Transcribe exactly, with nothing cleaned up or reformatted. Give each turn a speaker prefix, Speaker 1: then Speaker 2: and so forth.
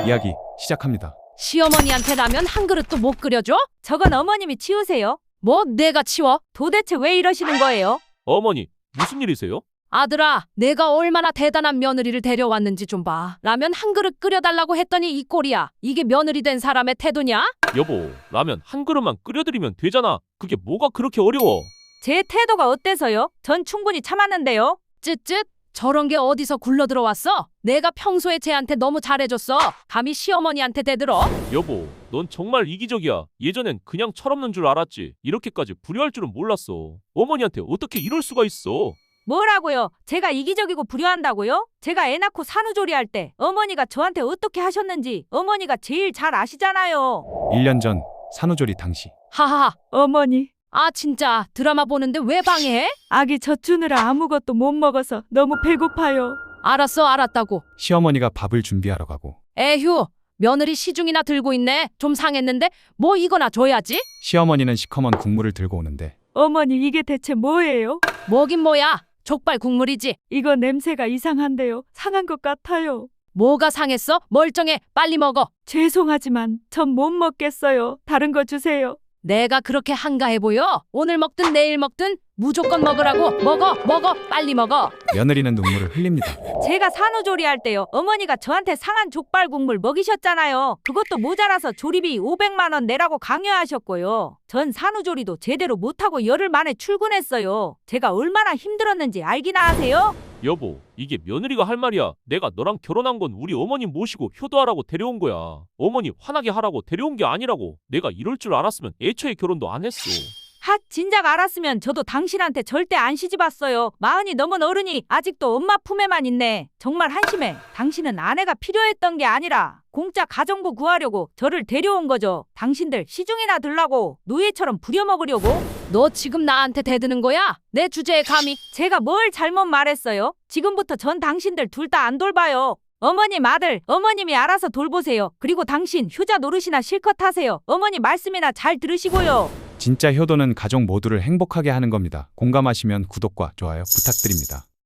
Speaker 1: 이야기 시작합니다.
Speaker 2: 시어머니한테 라면 한 그릇도 못 끓여줘?
Speaker 3: 저건 어머님이 치우세요.
Speaker 2: 뭐 내가 치워?
Speaker 3: 도대체 왜 이러시는 거예요?
Speaker 4: 어머니, 무슨 일이세요?
Speaker 2: 아들아, 내가 얼마나 대단한 며느리를 데려왔는지 좀 봐. 라면 한 그릇 끓여달라고 했더니 이 꼴이야. 이게 며느리 된 사람의 태도냐?
Speaker 4: 여보, 라면 한 그릇만 끓여드리면 되잖아. 그게 뭐가 그렇게 어려워?
Speaker 3: 제 태도가 어때서요? 전 충분히 참았는데요.
Speaker 2: 쯧쯧. 저런 게 어디서 굴러 들어왔어? 내가 평소에 쟤한테 너무 잘해줬어. 감히 시어머니한테 대들어?
Speaker 4: 여보, 넌 정말 이기적이야. 예전엔 그냥 철없는 줄 알았지. 이렇게까지 불효할 줄은 몰랐어. 어머니한테 어떻게 이럴 수가 있어?
Speaker 3: 뭐라고요? 제가 이기적이고 불효한다고요? 제가 애 낳고 산후조리할 때 어머니가 저한테 어떻게 하셨는지 어머니가 제일 잘 아시잖아요.
Speaker 1: 일 년 전 산후조리 당시
Speaker 2: 하하하.
Speaker 3: 어머니,
Speaker 2: 아 진짜 드라마 보는데 왜 방해해?
Speaker 3: 아기 젖 주느라 아무것도 못 먹어서 너무 배고파요.
Speaker 2: 알았어 알았다고.
Speaker 1: 시어머니가 밥을 준비하러 가고
Speaker 2: 에휴. 며느리 시중이나 들고 있네. 좀 상했는데 뭐 이거나 줘야지.
Speaker 1: 시어머니는 시커먼 국물을 들고 오는데
Speaker 3: 어머니, 이게 대체 뭐예요?
Speaker 2: 뭐긴 뭐야. 족발 국물이지.
Speaker 3: 이거 냄새가 이상한데요. 상한 것 같아요.
Speaker 2: 뭐가 상했어? 멀쩡해. 빨리 먹어.
Speaker 3: 죄송하지만 전 못 먹겠어요. 다른 거 주세요.
Speaker 2: 내가 그렇게 한가해 보여? 오늘 먹든 내일 먹든 무조건 먹으라고. 먹어 먹어 빨리 먹어.
Speaker 1: 며느리는 눈물을 흘립니다.
Speaker 3: 제가 산후조리할 때요, 어머니가 저한테 상한 족발 국물 먹이셨잖아요. 그것도 모자라서 조리비 오백만 원 내라고 강요하셨고요. 전 산후조리도 제대로 못하고 열흘 만에 출근했어요. 제가 얼마나 힘들었는지 알기나 하세요?
Speaker 4: 여보, 이게 며느리가 할 말이야. 내가 너랑 결혼한 건 우리 어머니 모시고 효도하라고 데려온 거야. 어머니 화나게 하라고 데려온 게 아니라고. 내가 이럴 줄 알았으면 애초에 결혼도 안 했어.
Speaker 3: 핫, 진작 알았으면 저도 당신한테 절대 안 시집왔어요. 마흔이 넘은 어른이 아직도 엄마 품에만 있네. 정말 한심해. 당신은 아내가 필요했던 게 아니라 공짜 가정부 구하려고 저를 데려온 거죠. 당신들 시중이나 들라고 노예처럼 부려먹으려고.
Speaker 2: 너 지금 나한테 대드는 거야? 내 주제에 감히.
Speaker 3: 제가 뭘 잘못 말했어요? 지금부터 전 당신들 둘 다 안 돌봐요. 어머님 아들, 어머님이 알아서 돌보세요. 그리고 당신 효자 노릇이나 실컷 하세요. 어머니 말씀이나 잘 들으시고요.
Speaker 1: 진짜 효도는 가족 모두를 행복하게 하는 겁니다. 공감하시면 구독과 좋아요 부탁드립니다.